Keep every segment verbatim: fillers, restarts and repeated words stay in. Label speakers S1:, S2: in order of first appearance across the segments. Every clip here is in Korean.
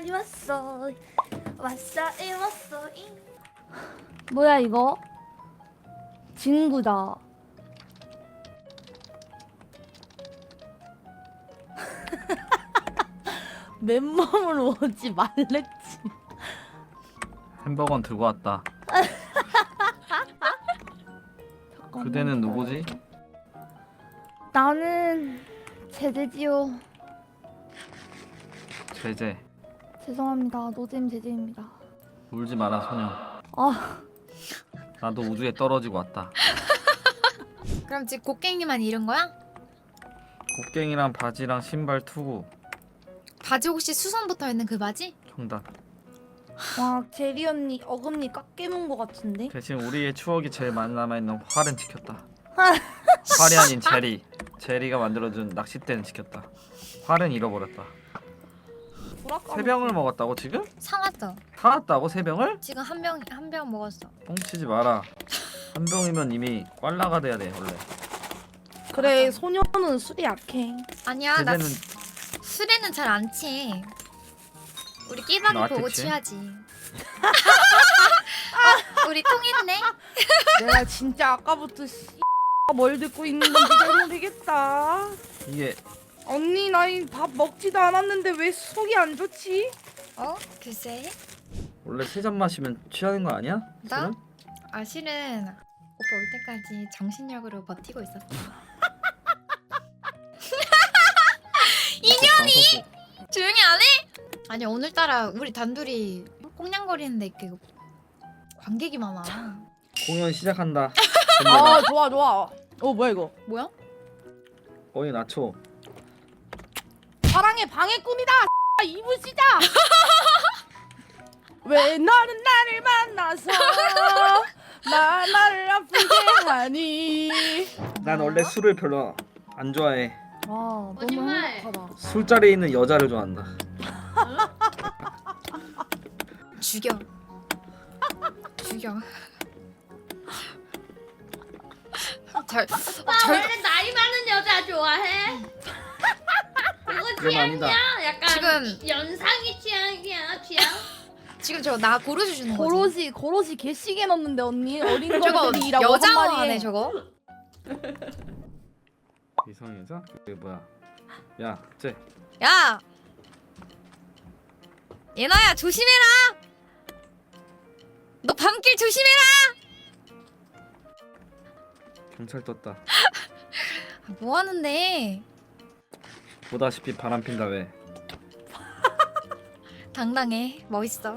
S1: 왔어 왔어 이 왔어 이.
S2: 뭐야 이거? 진구다. 맨몸으로 오지 말랬지.
S3: 햄버거는 들고 왔다. 그대는 누구지?
S2: 나는 제재지요.
S3: 제제.
S2: 죄송합니다. 노잼 제재입니다.
S3: 울지 마라 소녀.
S2: 아,
S3: 나도 우주에 떨어지고 왔다.
S4: 그럼 지금 곡괭이만 잃은 거야?
S3: 곡괭이랑 바지랑 신발 투구.
S4: 바지 혹시 수선 붙어있는 그 바지?
S3: 정답.
S2: 와 제리 언니 어금니 깎이는 것 같은데?
S3: 대신 우리의 추억이 제일 많이 남아있는 활은 지켰다. 활이 아닌 제리. 제리가 만들어준 낚싯대는 지켰다. 활은 잃어버렸다. 세 병을 먹었다고 지금?
S4: 사왔어.
S3: 사왔다고 세 병을?
S4: 지금 한 병 한 병 먹었어.
S3: 뻥치지 마라. 한 병이면 이미 꽐라가 돼야 돼 원래.
S2: 그래 소녀는 술이 약해.
S4: 아니야 나
S3: 제재는
S4: 술에는 잘 안 취해. 우리 끼박이
S3: 나한테
S4: 보고
S3: 취해?
S4: 취하지. 어, 우리 통했네.
S2: 내가 진짜 아까부터 씨, 뭘 듣고 있는 건지 잘 모르겠다.
S3: 이게
S2: 언니 나이 밥 먹지도 않았는데 왜 속이 안 좋지?
S4: 어? 글쎄.
S3: 원래 세 잔 마시면 취하는 거 아니야?
S4: 나?
S3: 술은?
S4: 아 실은 오빠 올 때까지 정신력으로 버티고 있었어.
S3: 인연이?
S4: 조용히 안 해? 아니 오늘따라 우리 단둘이 꽁냥거리는데 이렇게 관객이 많아.
S3: 공연 시작한다.
S2: 아 좋아 좋아. 어 뭐야 이거?
S4: 뭐야?
S3: 거의 낮춰.
S2: 사랑의 방해꾼이다. 이부 시작. 왜 너는 나를 만나서 나 나를 아프게 하니?
S3: 난 원래 술을 별로 안 좋아해.
S2: 아 너무
S1: 거짓말.
S2: 행복하다.
S3: 술자리에 있는 여자를 좋아한다.
S4: 죽여. 죽여. 잘,
S1: 나
S4: 잘
S1: 원래 나이 많은 여자 좋아해. 그거
S3: 그건 아니다.
S1: 취향이야? 약간
S4: 지금-
S1: 연상이 취향이야 취향?
S4: 지금 저거 나 고르주 주는 거지.
S2: 고로시 고로시 개시게 넣는데 언니 어린
S4: 저거
S2: 것들이라고 한
S4: 여자화네
S2: 마리에.
S4: 저거.
S3: 이성 여자? 그게 뭐야? 야, 쟤.
S4: 야, 예나야 조심해라. 너 밤길 조심해라.
S3: 경찰 떴다.
S4: 아, 뭐 하는데?
S3: 보다시피 바람 핀다 왜?
S4: 당당해, 멋있어.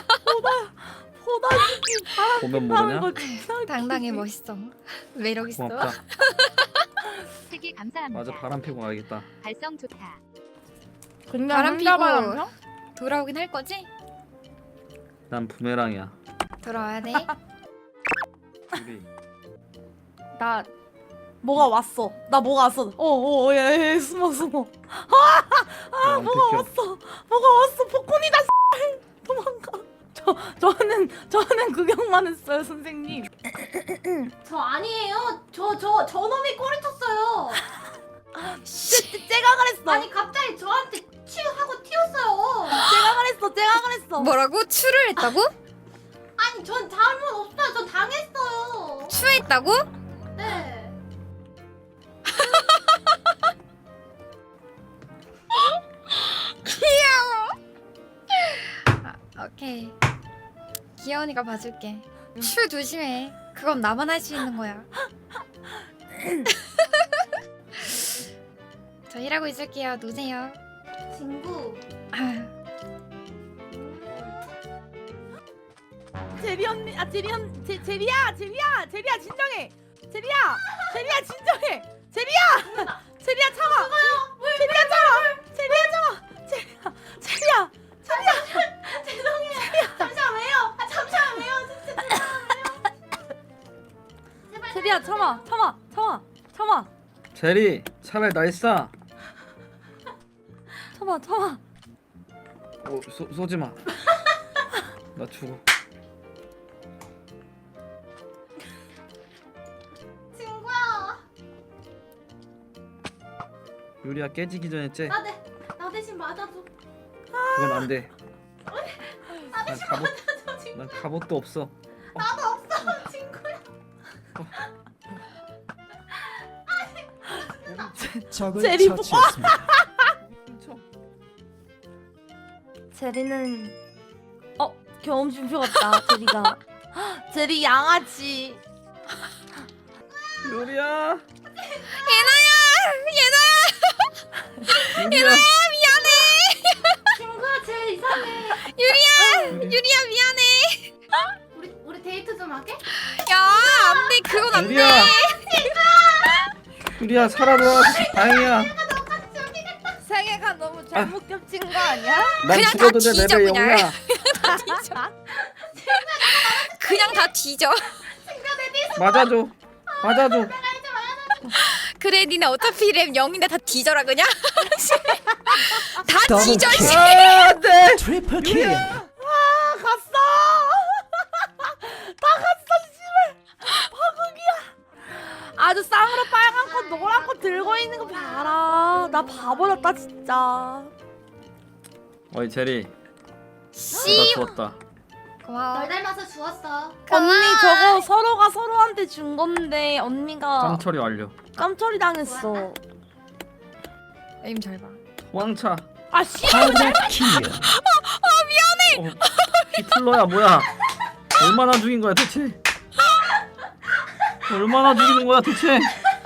S2: 보다시피 바람
S3: 보면
S2: 타는
S3: 모르냐?
S2: 거 진짜
S4: 당당해, 멋있어. 매력 있어.
S3: 고맙다.
S5: 세개 감사합니다.
S3: 맞아, 바람 피고 가야겠다.
S5: 발성 좋다.
S2: 그냥
S4: 바람
S2: 혼자
S4: 피고.
S2: 바람 펴?
S4: 돌아오긴 할 거지?
S3: 난 부메랑이야.
S4: 돌아와야 돼.
S3: 우리
S2: 나 뭐가 왔어. 나 뭐가 왔어. 어어 야, 야, 야 숨어 숨어. 아 뭐가 왔어. 뭐가 왔어. 폭군이다. 도망가. 저 저는 저는 구경만 했어요 선생님.
S1: 저 아니에요. 저 저 저놈이 꼬리 쳤어요.
S2: 쟤, 쟤가 그랬어.
S1: 아니 갑자기 저한테 치우하고 튀었어요.
S2: 쟤가 그랬어. 쟤가 그랬어.
S4: 뭐라고? 추를 했다고?
S1: 아니 전 잘못 없어요. 전 당했어요.
S4: 추했다고?
S1: 네.
S4: 아, 오케이. 귀여우니까 봐줄게. 추 조심해. 그건 나만 할 수 있는 거야. 저 일하고 있을게요. 노세요.
S1: 친구.
S2: 제리 언니, 아 제리 언, 제 제리야, 제리야, 제리야 진정해. 제리야, 제리야 진정해. 제리야, 제리야 참아. 제리야 참아. 제리야 참아. 제리야, 제리야, 제리야.
S1: 죄송해요. 잠시만 왜요? 아 잠시만 왜요? 진짜 죄송해요. 제발
S2: 제리야 참아, 참아, 참아, 참아,
S3: 제리, 차라리 날 쏴.
S2: 참아, 참아.
S3: 어, 쏘, 쏘지 마. 나 죽어.
S1: 친구야.
S3: 유리야 깨지기 전에 째.
S1: 나 대, 나 대신 맞아줘.
S3: 그건 안 돼. 난 갑옷 난 갑옷도 없어.
S1: 나도 없어 친구야.
S6: 적을
S2: 제리
S6: 처치했습니다.
S2: 제리는 어 경험심표 같다. 제리가 제리 양아치.
S3: 유리야.
S4: 예나야
S3: 유리야.
S1: 친구야 쟤 이상해.
S4: 유리야
S3: 유리.
S4: 유리야 미안해.
S1: 우리 우리 데이트 좀 할게.
S4: 야 안돼 그건 안돼.
S3: 유리야. 유리야 살아돌아. 다행이야.
S2: 세계가 너무 잘못 겹친 거 아니야?
S3: 난
S4: 그냥
S3: 죽어도
S4: 다
S3: 내
S4: 뒤져,
S3: 레벨
S4: 그냥.
S3: 영이야.
S4: 그냥 다 뒤져.
S3: 맞아줘. 맞아줘.
S4: 그래 니네 어차피 랩 영인데 다 뒤져라 그냥. 다
S6: 더블
S4: 뒤져.
S6: 킬.
S4: 씨.
S3: 아, 네.
S6: 트리플 킬.
S2: 아 갔어. 다 갔어 씨발. 파국이야. 아주 쌍으로 빨간 거 노란 거 들고 있는 거 봐라. 나 바보였다 진짜.
S3: 어이 제리.
S4: 씨.
S3: 나 죽었다.
S4: 고마워.
S1: 널 닮아서 주웠어.
S2: 언니 저거 서로가 서로한테 준 건데 언니가
S3: 짬 처리 완료.
S2: 깜처리 당했어.
S4: 에임 잘 봐.
S3: 왕차.
S2: 아 씨.
S6: 더블 킬.
S3: 어, 히틀러야 뭐야? 얼마나 죽인 거야 대체? 얼마나 죽이는 거야 대체?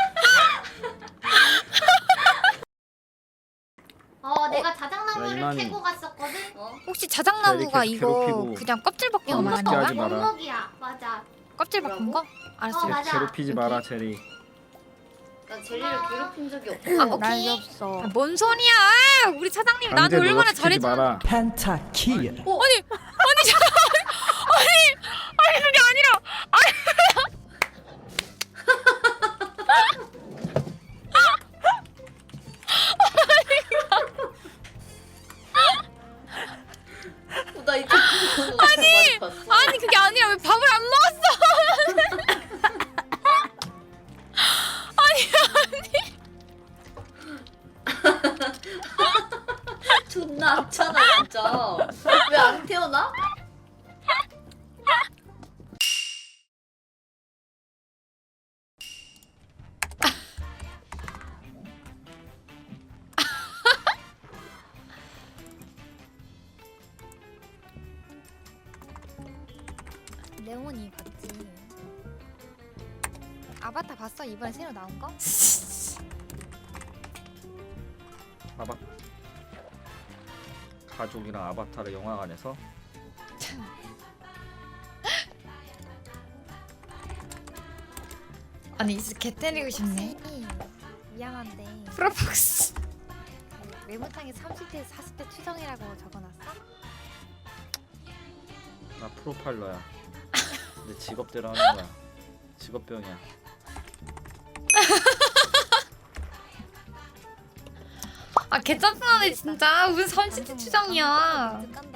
S1: 어 내가
S3: 야,
S1: 자작나무를
S3: 이만희.
S1: 캐고 갔었거든. 어.
S4: 혹시 자작나무가
S3: 계속
S4: 이거
S3: 괴롭히고
S4: 그냥 껍질 벗긴 거
S3: 어,
S4: 말하는
S3: 먹게
S4: 거야?
S3: 하지 마라.
S1: 원목이야. 맞아.
S4: 껍질 벗긴 거? 알았어.
S1: 어, 맞아.
S3: 괴롭히지 마라 제리.
S7: 나 젤리를 괴롭힌 적이 없어.
S4: 아,
S2: 난리
S4: 오케이.
S2: 없어.
S4: 아, 뭔 소리야? 우리 사장님 나한테
S3: 강제
S4: 얼마나
S3: 노력시키지
S4: 잘해줘.
S3: 마라.
S6: 펜타 킬.
S4: 아니, 아니, 저, 아니, 아니 그게 아니라,
S7: 어, 나 이거 아니, 봤어.
S4: 아니 그게 아니라 왜 밥을 안 먹었어?
S7: 존나 악잖아 진짜. 왜 안 태어나?
S4: 레몬이 봤지. 아바타 봤어? 이번에 새로 나온 거?
S3: 아바 가족이랑 아바타를 영화관에서
S4: 아니 진짜 개 때리고 싶네.
S8: 미안한데
S4: 프로폭스.
S8: 메모장에 삼십 대 사십 대 추정이라고 적어놨어?
S3: 나 프로파일러야. 내 직업대로 하는 거야. 직업병이야.
S4: 아 개짜증나네 진짜. 무슨 삼십 대 추정이야.
S8: 깐다.